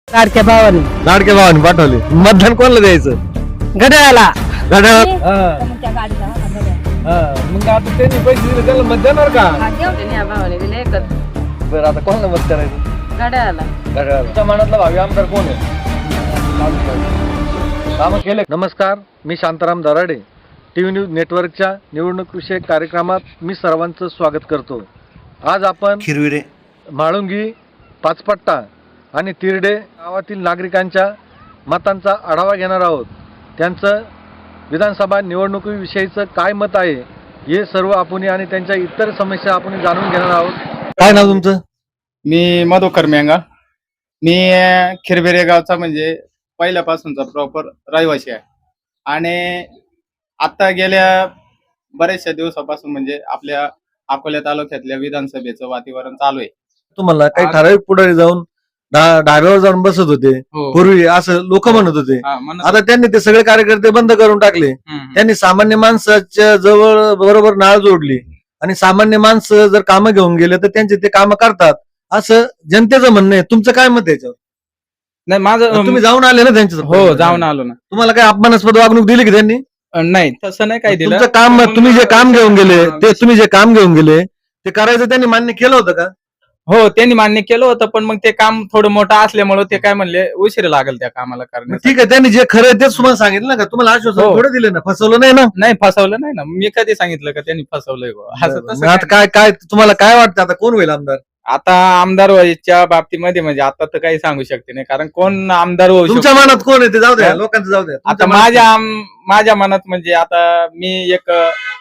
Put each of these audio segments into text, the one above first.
लाडक्या भावाने लाडक्या भावाने पाठवले. मतदान कोणाला द्यायचं? घड्याळाला. घड्याळ. त्या गाडीला मग आता त्यांनी पैसे दिले त्याला मत देणार का? भावाने दिले एकच बरं आता कोणाला मत करायचं? घड्याळाला. घड्याळ. तुमच्या मनातला भावी आमदार कोण आहे? कामं केले. नमस्कार, मी शांताराम दराडे. टीव्ही न्यूज नेटवर्कच्या निवडणूक विषयक कार्यक्रमात मी सर्वांचं स्वागत करतो. आज आपण खिरविरे, म्हाळुंगी, पाचपट्टा आणि तिरडे गावातील नागरिकांच्या मतांचा आढावा घेणार आहोत. त्यांचं विधानसभा निवडणुकीविषयीचं काय मत आहे हे सर्व आपण आणि त्यांच्या इतर समस्या आपण जाणून घेणार आहोत. काय नाव तुमचं? मी मधुकर मेंगा. मी खिरबिरे गावचा म्हणजे पहिल्यापासूनचा प्रॉपर रहिवासी आहे आणि आता गेल्या बऱ्याचशा दिवसापासून म्हणजे आपल्या अकोला तालुक्यातल्या विधानसभेचं वातावरण चालू आहे. तुम्हाला काही ठराविक पुढारी जाऊन डाव्यावर जाऊन बसत होते पूर्वी असं लोक म्हणत होते. आता त्यांनी ते सगळे कार्यकर्ते बंद करून टाकले. त्यांनी सामान्य माणसाच्या जवळ बरोबर नाळ जोडली आणि सामान्य माणसं जर कामं घेऊन गेले तर त्यांचे ते कामं करतात असं जनतेचं म्हणणं आहे. तुमचं काय मत आहे याच्यावर? नाही माझं तुम्ही जाऊन आले ना त्यांच्या? हो जाऊन आलो ना. तुम्हाला काही अपमानास्पद वागणूक दिली की त्यांनी? नाही तसं नाही काही दिलं. तुमचं काम, तुम्ही जे काम घेऊन गेले ते तुम्ही जे काम घेऊन गेले ते करायचं त्यांनी मान्य केलं होतं का? हो त्यांनी मान्य केलं होतं पण मग ते काम थोडं मोठं असल्यामुळे ते काय म्हणले उशीर लागेल त्या कामाला कारण. ठीक आहे, त्यांनी जे खरं आहे तेच तुम्हाला सांगितलं ना का? तुम्हाला आश्वासन हो. थोडं दिलं ना, फसवलं नाही ना? नाही फसवलं नाही ना. मी कधी सांगितलं का त्यांनी फसवलंय बुवा? असं मग तसं आता काय काय तुम्हाला काय वाटतं आता कोण होईल आमदार? आता आमदार व्हायच्या बाबतीमध्ये म्हणजे आता तर काही सांगू शकते नाही कारण कोण आमदार होऊ तुमच्या शकतो. मनात कोण आहे ते जाऊ द्या, हा? लोकांचं जाऊ द्या. आता तुमच्या मनात माझ्या मनात म्हणजे आता मी एक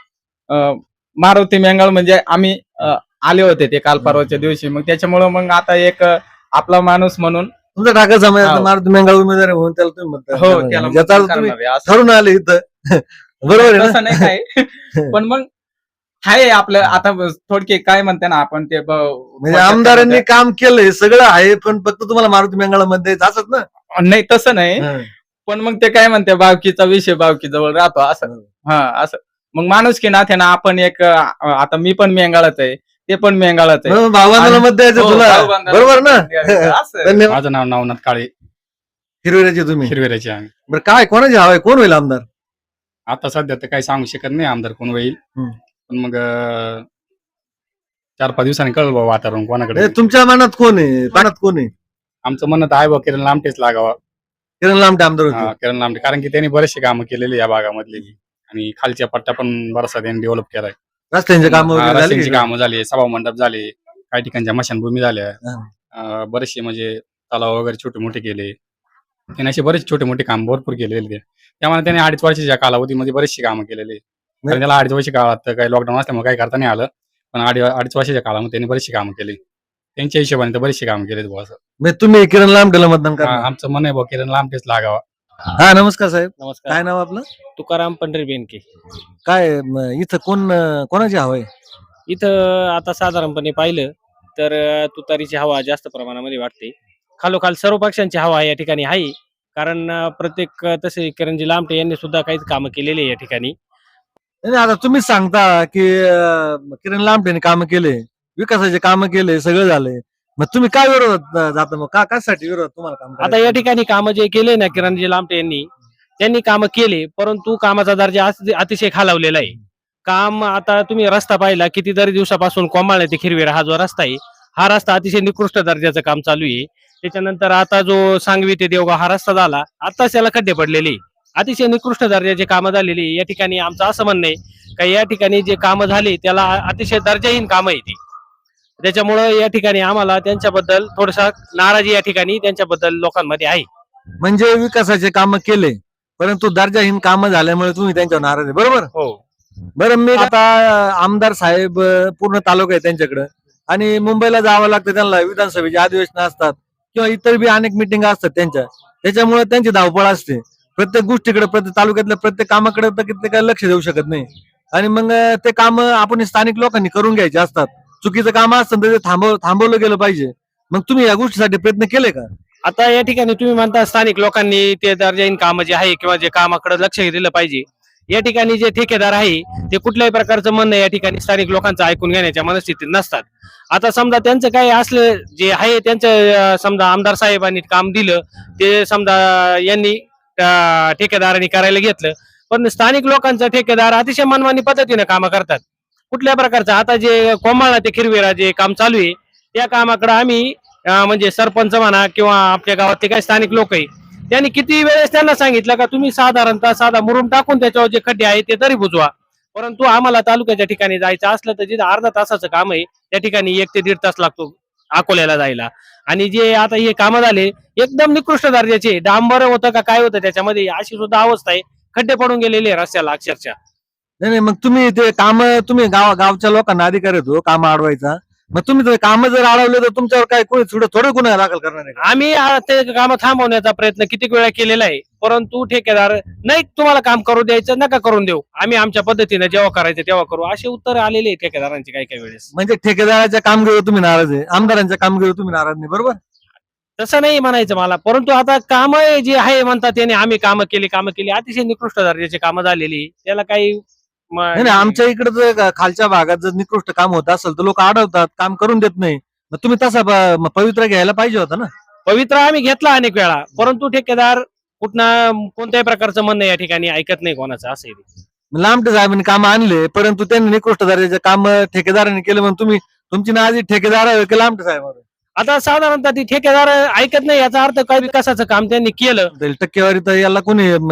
मारुती मेंगाळ म्हणजे आम्ही आले होते ते काल परवाच्या दिवशी. मग त्याच्यामुळं मग आता एक आपला माणूस म्हणून तुमचा ठाकर समाजाचा हो. मारुती मेंगाळ उमेदवार आहे म्हणून त्याला तुम्ही म्हणता. हो त्याला ज्याचा अर्थ मतदान तुम्ही करणार आहे असं. ठरून आले इथं बरोबर आहे तसं ना? नाही काय पण मग आहे आपलं आता थोडके काय म्हणते ना आपण ते म्हणजे आमदारांनी काम केलंय सगळं आहे पण फक्त तुम्हाला मारुती मेंगाळ मध्ये असत ना? नाही तसं नाही हा. पण मग ते काय म्हणते बावकीचा विषय बावकी जवळ राहतो असं. हा असं मग माणूस की नात्यानं आपण एक आता मी पण मेंगाळत आहे ते पण मेंगाळत आहे. भावबांधाला मत द्यायचं हो, तुला, भाऊबंधाला बरोबर ना? असं. धन्यवाद. माझं नाव नवनाथ काळे, हिरवेराचे तुम्ही हिरवेराचे आहे. बरं, काय कोणाची हवा आहे? कोण होईल आमदार? आता सध्या तर काही सांगू शकत नाही आमदार कोण होईल. पण मग 4-5 दिवसांनी कळलं बाबा वातावरण कोणाकडे. तुमच्या मनात कोण आहे? पाण्यात कोण आहे? आमचं म्हणत आहे बा किरण लामटेच लागावा. किरण लांबटे आमदार होते. किरण लामटे कारण की त्यांनी बरेचसे कामं केलेली या भागामधली आणि खालच्या पट्ट्या पण बराचसा त्यांनी डेव्हलप केलाय. रस्त्यांचे काम रस्त्यांची कामं झाली, सभा मंडप झाले, काही ठिकाणच्या मशानभूमी झाल्या, बरेचसे म्हणजे तलाव वगैरे छोटे मोठे केले. त्यांनी असे बरेच छोटे मोठे काम भरपूर केलेले. त्यामुळे त्यांनी 2.5 वर्षाच्या कालावधीमध्ये बरेचशी कामं केलेली. कारण त्याला 2.5 वर्ष काळात काही लॉकडाऊन असल्यामुळे काही करता नाही आलं पण 2.5 वर्षाच्या काळामध्ये त्यांनी बरेचशी कामं केली. त्यांच्या हिशोबाने तर बरेचशी कामं केलेत बुवा असं. म्हणजे तुम्ही किरण लांबटेला मतदान करा? आमचं मन आहे बुवा किरण लामटेच लागावा. हा नमस्कार साहेब, नमस्कार. काय नाव आपलं? तुकाराम पंढरी बेनके. काय इथं कोणाची हवा आहे? इथं आता साधारणपणे पाहिलं तर तुतारीची हवा जास्त प्रमाणामध्ये वाटते. खालोखाल सर्व पक्षांची हवा या ठिकाणी आहे कारण प्रत्येक तसे किरणजी लांबटे यांनी सुद्धा काही कामं केलेली आहे या ठिकाणी. नाही, आता तुम्हीच सांगता की किरण लांबटेने कामं केले, विकासाचे कामं केले, सगळं झालंय. मग तुम्ही काय विरोधात जाता? मग कशासाठी विरोधात तुम्हाला काम आता या ठिकाणी कामं जे केले ना किरणजी लांबटे त्यांनी कामं केले परंतु कामाचा दर्जा अतिशय खालावलेला आहे. काम आता तुम्ही रस्ता पाहिला कितीतरी दिवसापासून कोमाळे ते खिरवेरा हा जो रस्ता आहे हा रस्ता अतिशय निकृष्ट दर्जाचं काम चालू आहे. त्याच्यानंतर आता जो सांगवी ते देवगाव हा रस्ता झाला आताच त्याला खड्डे पडलेले, अतिशय निकृष्ट दर्जाचे कामं झालेली. या ठिकाणी आमचं असं म्हणणं आहे का या ठिकाणी जे कामं झाले त्याला अतिशय दर्जाहीन कामं आहे ती. त्याच्यामुळं या ठिकाणी आम्हाला त्यांच्याबद्दल थोडसा नाराजी या ठिकाणी त्यांच्याबद्दल लोकांमध्ये आहे. म्हणजे विकासाचे कामं केले परंतु दर्जाहीन कामं झाल्यामुळे तुम्ही त्यांच्यावर नाराज आहे, बरोबर? हो. बरं, मी आता आमदार साहेब पूर्ण तालुका आहे त्यांच्याकडे आणि मुंबईला जावं लागतं त्यांना, विधानसभेचे अधिवेशन असतात किंवा इतर बी अनेक मिटिंग असतात त्यांच्या, त्याच्यामुळे त्यांची धावपळ असते. प्रत्येक गोष्टीकडे, प्रत्येक तालुक्यातल्या प्रत्येक कामाकडे तर ते काय लक्ष देऊ शकत नाही आणि मग ते काम आपण स्थानिक लोकांनी करून घ्यायचे असतात. चुकीचं काम असतं तर ते थांबवलं गेलं पाहिजे. मग तुम्ही या गोष्टीसाठी प्रयत्न केले का? आता या ठिकाणी तुम्ही म्हणता स्थानिक लोकांनी ते दर्जाहीन कामं जे आहे किंवा जे कामाकडे लक्ष दिलं पाहिजे या ठिकाणी जे ठेकेदार आहे ते कुठल्याही प्रकारचं म्हणणं या ठिकाणी स्थानिक लोकांचं ऐकून घेण्याच्या मनस्थितीत नसतात. आता समजा त्यांचं काही असलं जे आहे त्यांचं समजा आमदार साहेबांनी काम दिलं ते समजा यांनी ठेकेदारांनी करायला घेतलं, पण स्थानिक लोकांचा ठेकेदार अतिशय मनमानी पद्धतीने काम करतात. कुठल्या प्रकारचं आता जे कोमाळा ते खिरवेरा जे काम चालू आहे त्या कामाकडे आम्ही म्हणजे सरपंच म्हणा किंवा आपल्या गावातले काही स्थानिक लोक आहे त्यांनी किती वेळेस त्यांना सांगितलं का तुम्ही साधारणतः साधा मुरुम टाकून त्याच्यावर जे खड्डे आहे ते तरी बुजवा, परंतु आम्हाला तालुक्याच्या ठिकाणी जायचं असलं तर जिथं अर्धा तासाचं काम आहे त्या ठिकाणी 1 ते 1.5 तास लागतो अकोल्याला जायला. आणि जे आता हे कामं झाले एकदम निकृष्ट दर्जाचे, डांबर होतं का काय होतं त्याच्यामध्ये अशी सुद्धा अवस्था आहे, खड्डे पडून गेलेले आहे रस्त्याला अक्षरशः. नाही नाही, मग तुम्ही ते काम तुम्ही गावच्या लोकांना अधिकार येतो काम अडवायचा, मग तुम्ही ते काम जर अडवले तर तुमच्यावर काय कोणी थोडं गुन्हा दाखल करणार आहे का? आम्ही ते काम थांबवण्याचा प्रयत्न किती वेळा केलेला आहे, परंतु ठेकेदार नाही तुम्हाला काम करू द्यायचं नका करून देऊ, आम्ही आमच्या पद्धतीने जेव्हा करायचं तेव्हा करू, असे उत्तर आलेले आहे ठेकेदारांचे काही काही वेळेस. म्हणजे ठेकेदाराच्या कामगिरीवर तुम्ही नाराज आहे, आमदारांच्या कामगिरीवर तुम्ही नाराज नाही, बरोबर? तसं नाही म्हणायचं मला, परंतु आता काम जे आहे म्हणतात त्याने आम्ही कामं केली अतिशय निकृष्ट दर्जाची कामं झालेली, त्याला काही नाही नाही, आमच्या इकडे जर खालच्या भागात जर निकृष्ट काम होत असेल तर लोक अडवतात, काम करून देत नाही. मग तुम्ही तसा पवित्र घ्यायला पाहिजे होता ना. पवित्र आम्ही घेतला अनेक वेळा, परंतु ठेकेदार कोणत्याही प्रकारचं म्हणणं या ठिकाणी ऐकत नाही कोणाचं, असं आहे. लांबटे साहेबांनी काम आणले परंतु त्यांनी निकृष्ट दर्जाचे काम ठेकेदारांनी केले, म्हणून तुम्ही तुमची नाराजी ठेकेदार की लांबटे साहेबांवर? आता साधारणतः ती ठेकेदार ऐकत नाही याचा अर्थ काय विकासाचं काम त्यांनी केलं. टक्केवारी तर याला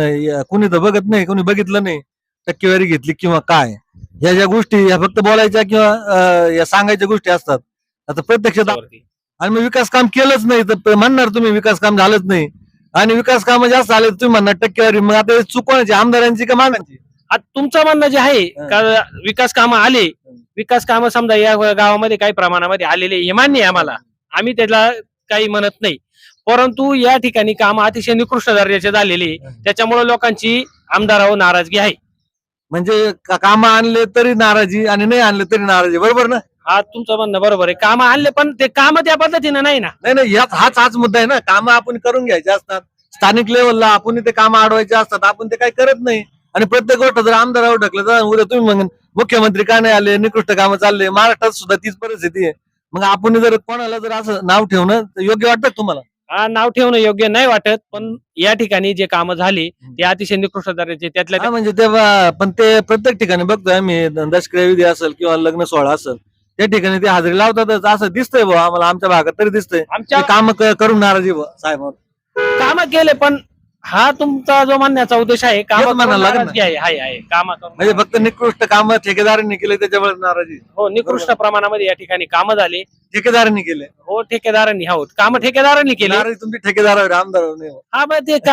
कुणी तर बघत नाही, कोणी बघितलं नाही टक्केवारी घेतली किंवा काय, ह्या ज्या गोष्टी ह्या फक्त बोलायच्या किंवा या सांगायच्या गोष्टी असतात. आता प्रत्यक्षात आणि मग विकास काम केलंच नाही तर म्हणणार तुम्ही विकास काम झालंच नाही, आणि विकास काम जास्त झाले तुम्ही म्हणणार टक्केवारी. मग आता चुकवण्याची आमदारांची का मागायची? आता तुमचं म्हणणं जे आहे का विकास कामं आले, विकास कामं समजा या गावामध्ये काही प्रमाणामध्ये आलेले हे मान्य आहे आम्हाला, आम्ही त्याला काही म्हणत नाही, परंतु या ठिकाणी काम अतिशय निकृष्ट दर्जाचे झालेले त्याच्यामुळे लोकांची आमदारावर नाराजगी आहे. म्हणजे काम आणले तरी नाराजी आणि नाही आणले तरी नाराजी, बरोबर ना? हा तुमचं म्हणणं बरोबर आहे, काम आणले पण ते काम त्या पद्धतीने नाही ना. नाही नाही, हाच मुद्दा आहे ना, काम आपण करून घ्यायचे असतात स्थानिक लेवलला, आपण ते काम अडवायचे असतात, आपण ते काही करत नाही. आणि प्रत्येक गोष्ट जर आमदारावर ढकलं तर उद्या तुम्ही मग मुख्यमंत्री का नाही आले, निकृष्ट कामं चालले, महाराष्ट्रात सुद्धा तीच परिस्थिती आहे. मग आपण जर कोणाला जर असं नाव ठेवणं योग्य वाटतं तुम्हाला? हा, नाव ठेवणं योग्य नाही वाटत, पण या ठिकाणी जे कामं झाली ते अतिशय निकृष्ट दर्जाचे त्यातल्या म्हणजे तेव्हा पण ते प्रत्येक ठिकाणी बघतोय आम्ही, दशक्रिया विधी असेल किंवा लग्न सोहळा असेल त्या ठिकाणी ते हजेरी लावतातच, असं दिसतंय भाऊ आम्हाला, आमच्या भागात तरी दिसतंय आमच्या काम करून नाराजी साहेब काम केले. पण हा तुमचा जो म्हणण्याचा उद्देश आहे काम म्हणायला लागेल ना. आहे काम म्हणजे फक्त निकृष्ट काम ठेकेदारांनी केले त्याच्यामुळे नाराजी? हो, निकृष्ट प्रमाणामध्ये या ठिकाणी कामं झाली ठेकेदारांनी केले. हो, ठेकेदारांनी काम ठेकेदारांनी केले. नाराजी तुमची ठेकेदारावर, आमदारावर नाही. हा, मग ते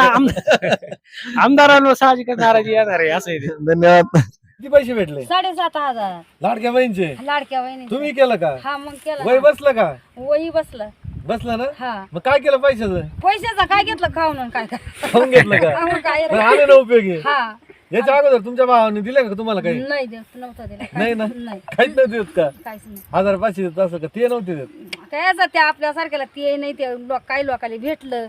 आमदारांवर साहजिकच नाराजी येणार आहे, असं आहे ते. धन्यवाद. किती पैसे भेटले? 7,500 लाडक्या बहिणीचे लाडक्या वहिनी. तुम्ही केलं का? हा मग केलं वय ना. बसलं का? वही बसलं. बसलं ना? हा, मग काय केलं पैशाचं? पैशाचं काय घेतलं खाऊन आणि काय खाऊन घेतलं का? मग काय पण आले ना उपयोगी? हा, याच्या अगोदर तुमच्या भावाने दिले का तुम्हाला काही? नाही देत नव्हतं दिलं. नाही ना? नाही, काहीच नाही देत का? काहीच नाही. 1,500 देत असं का? ते नव्हते देत? काय ते आपल्यासारख्याला ते नाही, ते काही लोकांना भेटलं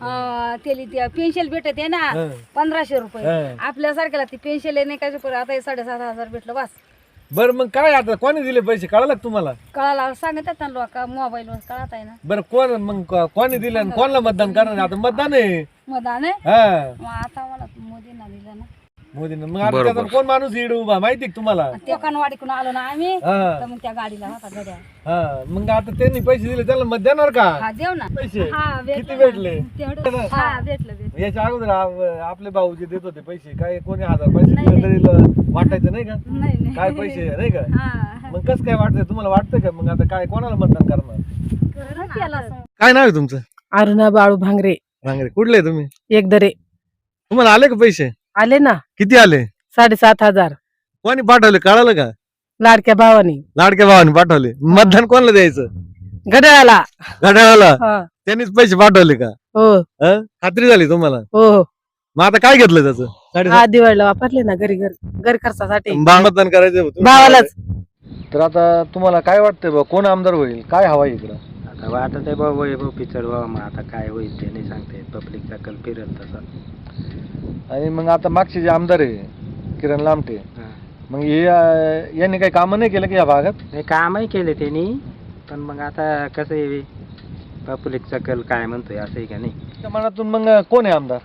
ते पेन्शन भेटत आहे ना हं. 1500 रुपये. हं. आपल्यासारख्याला ती पेन्शन नाही काय आता हे 7,500 भेटलं बस. बरं मग काय आता कोणी दिले पैसे कळालं का तुम्हाला? कळाला सांगतात ना लोक मोबाईलवर कळत आहे ना. बरं कोण मग कोणी दिलं आणि कोणाला मतदान करणार? आता मतदान आहे. मतदान आहे हा, मग आता मला मोदींना दिलं ना. मोदीनं. मग आता त्याचा कोण माणूस इकडे उभा माहिती का तुम्हाला? ते कणवाडीकडून आलो ना आम्ही, हा तर मग त्या गाडीला होता गड्या. हा, मग आता त्यांनी पैसे दिले त्याला मत देणार का? हा, देव ना. पैसे हा, किती भेटले? तेवढं. हा, भेटलं. याच्या अगोदर आपले भाऊ जे देत होते पैसे, काय कोणी 1000 पैसे दिले तरी वाटायचं नाही का? नाही काय पैसे नाही का? हा, मग कसं काय वाटतंय तुम्हाला? वाटतंय का मग आता काय कोणाला मतदान करणार? केलं. काय नाव आहे तुमचं? अरुणा बाळू भांगरे, भांगरे. कुठले तुम्ही? एकदरे. तुम्हाला आले का पैसे? आले ना किती आले? 7,500 कोणी पाठवले कळालं का? लाडक्या भावानी. लाडक्या भावाने पाठवले. मतदान कोणाला द्यायचं? घड्याळाला. घड्याळाला. हा. त्यांनीच पैसे पाठवले का? हो हं? खात्री झाली तुम्हाला? हो हो. मग आता काय घेतलं त्याचं? हा, दिवाळीला वापरले ना घरी खर्चासाठी. मतदान करायचं होतं. भावालाच. तर आता तुम्हाला काय वाटतंय बा कोण आमदार होईल? काय हवा इकडं? आता वाटत आहे बाबा वैभव पिचड व्हावा, मग आता काय होईल ते नाही सांगते. पब्लिकचा कल फिरेल तसा. आणि मग आता मागचे जे आमदार आहे किरण लामटे हा. मग हे यांनी काही कामं नाही केलं की या भागात? नाही कामही केले त्यांनी, पण मग आता कसं आहे पब्लिकचा कल काय म्हणतोय असं आहे का नाही. त्या मनातून मग कोण आहे आमदार?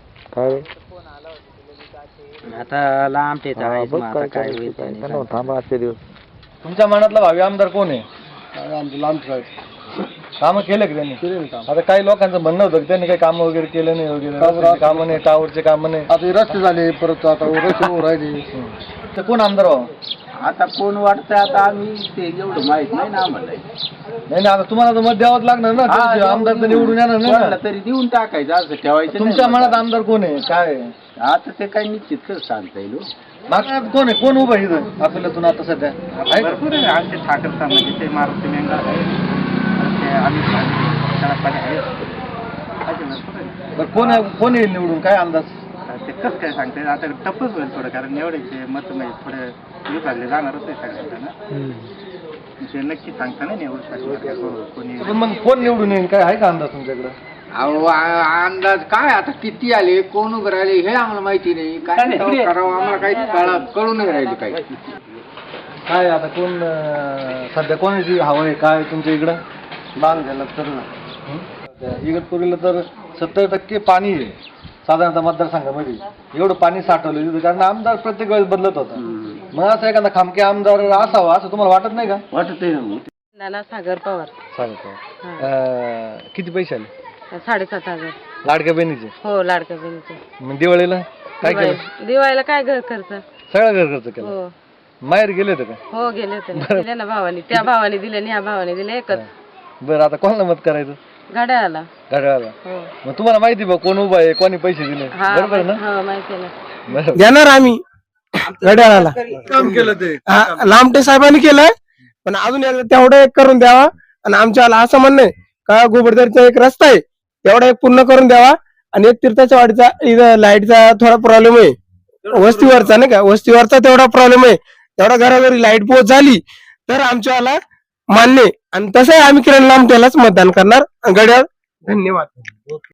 आता लांबटेचा आहे, मग आता काय होईल ते नाही सांगता. तुमच्या मनातला भावी आमदार कोण आहे? लामटे कामं केले की त्यांनी? आता काही लोकांचं म्हणणं होतं की त्यांनी काही कामं वगैरे केलं नाही वगैरे, कामं नाही, टावरचे कामं नाही, आता रस्ते झाले, परत आता रस्ते राहिले. तर कोण आमदार व्हावं? आता कोण वाटतं आता आम्ही ते एवढं माहित नाही ना आम्हाला. नाही आता तुम्हाला तर मत द्यावंच लागणार ना, ते आमदार तर निवडून येणार नाही कोणाला ना. तरी देऊन टाकायचं असं ठेवायचं तुमच्या नाही मनात आमदार कोण आहे, काय आहे? आता ते काही निश्चित कसं सांगता येईल हो. मागण्यात कोण आहे, कोण उभं आहे इथं आपल्यातून आता सध्या? आहे का? भरपूर आहे आमचे ठाकर म्हणजे ते मारुती मेंगा आहे, ते अमित कडकपाणी आहे, असे भरपूर आहे. बरं कोण येईल निवडून, काय अंदाज? ते कसं काय सांगता येईल, आता टप्पच होईल थोडं, कारण एवढ्याचे मत म्हणजे थोडे विभागले जाणारच आहे सगळ्यांना ना. ते नक्की सांगता नाही एवढं कोणी. पण मग कोण निवडून येईल, काय आहे का अंदाज तुमच्याकडे? अहो अंदाज काय आता किती आले कोण उभं राहिले हे आम्हाला माहिती नाही. काय करावं आम्हाला काही कळू नाही राहिले काही. काय आता कोण सध्या कोणाची हवं आहे काय तुमच्या इकडं? बांग झालं तर इगतपुरीला तर 70% पाणी आहे साधारणतः मतदारसंघामध्ये. एवढं पाणी साठवलं तिथं, कारण आमदार प्रत्येक वेळेस बदलत होता. मग असं एखादा खामके आमदार असावा असं तुम्हाला वाटत नाही का? वाटत आहे. नाना सागर पवार. सांगतो किती पैसे आले? 7,500. लाडक्या बहिणीचे? हो लाडक्या बहिणीचे. मग दिवाळीला काय केलं? दिवाळीला काय घर खर्च? सगळं घर खर्च केला. हो माहेर गेले होते का? हो गेले होते ना. दिले ना भावानी, त्या भावाने दिले आणि ह्या भावाने दिले एकच. बरं आता कोणाला मत करायचं? घड्याळाला. घड्याळाला. हो मग तुम्हाला माहिती बा कोण उभा आहे, कोणी पैसे दिले? हा बरोबर ना? हो माहिती आहे ना. बरोबर. देणार आम्ही घड्याळाला. काम केलं ते लामटे साहेबांनी केलंय, पण अजून एकदा तेवढं एक करून द्यावा. आणि आमच्या असं म्हणणं आहे का गोबरदरीचा एक रस्ता आहे तेवढा एक पूर्ण करून द्यावा. आणि एक तीर्थाच्या वाडीचा इथं लाईटचा थोडा प्रॉब्लेम आहे, वस्तीवरचा नाही का, वस्तीवरचा तेवढा प्रॉब्लेम आहे. तेवढा घराघरी लाईट पोहोच झाली तर आमच्याला मान्य आहे. आणि तसंही आम्ही किरण लामटेलाच मतदान करणार. घड्याळ. धन्यवाद.